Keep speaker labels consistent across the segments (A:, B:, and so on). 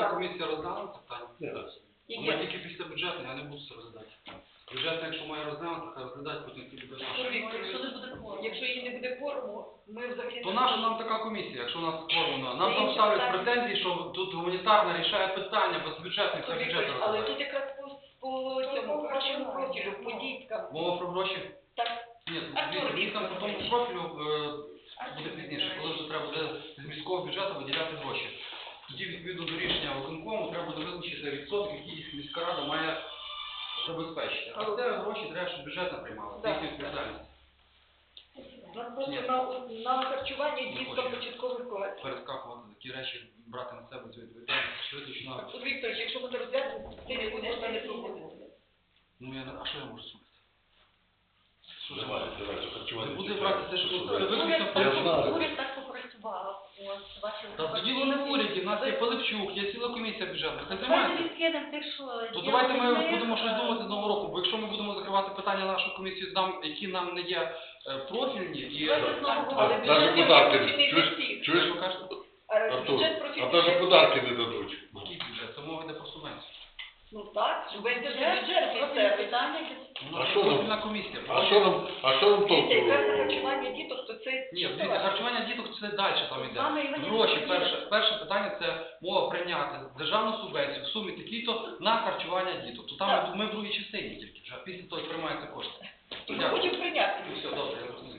A: бюджетна комісія розглянула питання?
B: Яке?
A: Ми тільки після бюджетної, я не буду це розглядати. Бюджетна, якщо має розглянути, хай розглядають, потім ті буде.
B: Якщо її не буде кворуму, ми взагалі...
A: То наша нам така комісія, якщо у нас кворумна. Нам там ставлять претензії, що тут гуманітарна рішає питання, без бюджетних це бюджетно
B: Але
A: розглядає.
B: тут якраз по цьому харчовому профілю, по діткам.
A: Мова про гроші?
B: Так.
A: Ні, він там по тому профілю буде пізніше, коли вже треба буде з міського бюджету виділяти гроші. Тоді, відповідно до рішення виконкому, треба буде визначити відсоток, який міська рада має забезпечити. А це гроші треба, щоб бюджет не приймали. Це їхня відповідальність.
B: Нам просто на харчування діткам початкових класів.
A: Перескакувати такі речі, брати на себе цю відповідальність. Що точно...
B: Вікторович, якщо ми не розглянемо, ти не будеш не проводити.
A: Ну, а що я можу зробити?
C: Давай, харчування.
A: Не буде брати те, що
D: Уряд так попрацював.
A: Та діло не в уряді, в нас є Пилипчук, є ціла комісія бюджетна. Хай
D: Давайте
A: займається.
D: відкинемо тих, що...
A: То давайте ми будемо щось думати з нового року, бо якщо ми будемо закривати питання нашої комісії, які нам не є профільні, і...
C: Навіть податки, чуєш?
A: Що ви кажете?
C: Артур, а навіть податки не дадуть.
A: Який бюджет? Це мова йде про субвенцію.
B: Ну так, субвенція бюджет місцевий.
D: питання.
A: Профільна комісія.
C: А що нам толку?
B: Якраз на харчування діток, то це...
A: Ні, харчування діток це далі там йде. Гроші, перше питання це мова прийняти державну субвенцію в сумі такій-то на харчування діток. То там ми в другій частині тільки вже, після того, як приймаються кошти.
B: То ми хочемо прийняти.
A: Ну все, добре, я розумію.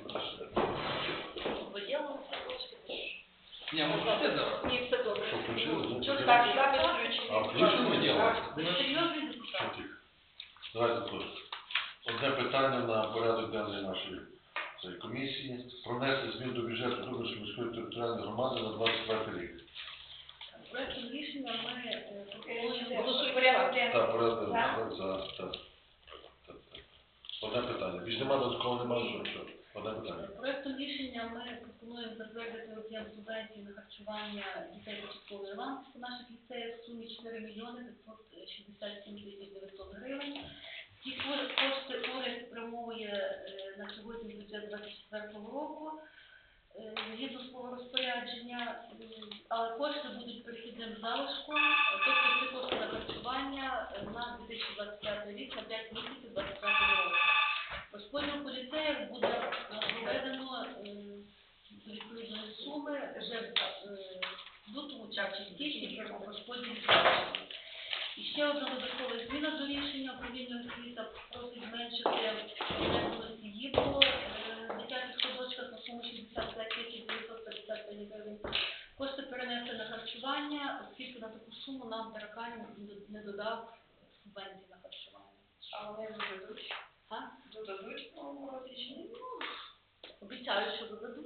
A: Ні, може все зараз.
B: Ні, все добре.
C: Що, включили?
B: Чого так, запис включений.
C: А включили діло?
D: Серйозний депутат.
C: Давайте тут. Одне питання на порядок денний нашої комісії. Про внесення змін до бюджету Дубинської міської територіальної громади на 25 рік.
D: Проектом рішення ми пропонуємо...
B: Голосуй порядок.
C: Так, порядок денний. Одне питання. Більш немає додатково, немає що. Одне питання.
D: Проектом рішення ми пропонуємо затвердити об'єм субвенції на харчування дітей початкової ланки по наших ліцеях в сумі 4 мільйони 567 тисяч 900 гривень. Ці кошти уряд спрямовує на сьогодні бюджет 2024 року згідно свого розпорядження, але кошти будуть перехідним залишком, тобто ці кошти на харчування на 2025 рік, на 5 місяців 2025 року. Розподіл по ліцеях буде проведено до відповідної суми вже в лютому часі січні по розподілі залишків. І ще одна додаткова зміна до рішення управління освіти просить зменшити об'єкт ЄБО в дитячих садочках на суму 65 тисяч 955 гривень. Кошти перенести на харчування, оскільки на таку суму нам Таракань не додав субвенції на харчування.
B: А вони додадуть?
D: А?
B: Додадуть в новому році чи ні?
D: Обіцяю, що додадуть.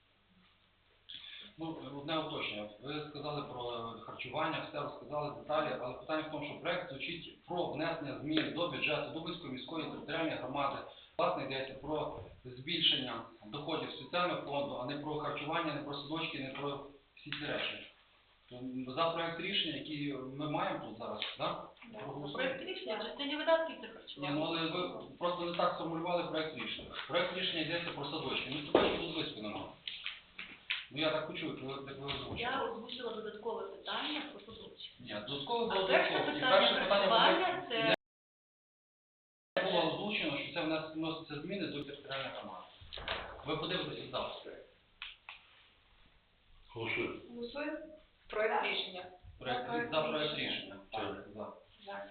A: Ну, одне уточнення. Ви сказали про харчування, все розказали деталі, але питання в тому, що проект звучить про внесення змін до бюджету Дубинської міської територіальної громади. Власне, йдеться про збільшення доходів соціального фонду, а не про харчування, не про садочки, не про всі ці речі. За проект рішення, який ми маємо тут зараз, так?
D: Проект рішення в частині видатків це
A: Ні,
D: харчування.
A: ну але ви просто не так сформулювали проект рішення. Проект рішення йдеться про садочки. Ну, садочки тут близько немає. Ну, я так почув, як ви озвучили.
D: Я озвучила додаткове питання про садочки.
A: Ні, додатково було
D: А перше
A: додатково. І
D: питання
A: перше питання
D: харчування це...
A: не було озвучено, що це вносяться зміни до територіальної громади. Ви подивитеся завтра.
C: Голосуємо.
B: Голосуємо? Проект рішення.
A: За проект рішення.
C: Так.
A: За.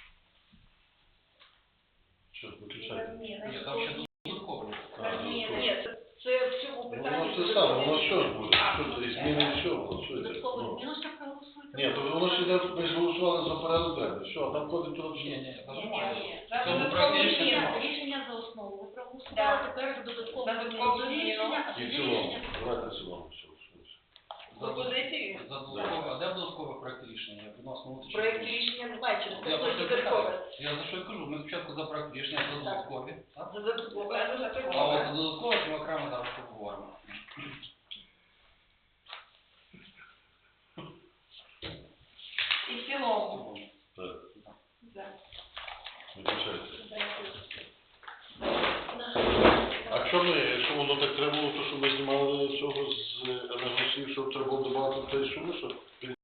C: Що, виключайте.
A: Ні, там ще додатково.
B: Ні, це в цьому питанні.
C: Воно це саме, воно що ж буде? Що це, зміни від чого?
D: Додатково зміну ще проголосуйте.
C: Ні, то воно ж йде, ми ж голосували за порядок денний. Що, там ходить туди?
A: Ні, там
B: Ні,
A: немає.
B: ні.
A: В цьому проекті
D: Рішення за основу. Ви проголосували тепер за додаткову зміну до рішення, а
C: І
D: тоді
C: в цілому.
D: рішення...
C: Давайте в цілому.
B: Пропозиції?
A: За додаткове. А де додаткове проект рішення? Я відносно внутрішнього.
B: Проект рішення немає, через
A: Я
B: це
A: просто
B: додаткове.
A: Я за що й кажу, ми спочатку за проект рішення, за додаткові. Так?
B: За додаткове, а за
A: А от
B: додаткове.
A: за додаткове ми окремо зараз поговоримо.
B: І в цілому.
C: Так,
B: За.
C: виключайте.
B: Дякую.
C: А якщо воно так треба було, то що ми знімали цього з енергосів, щоб треба було додати те суми, що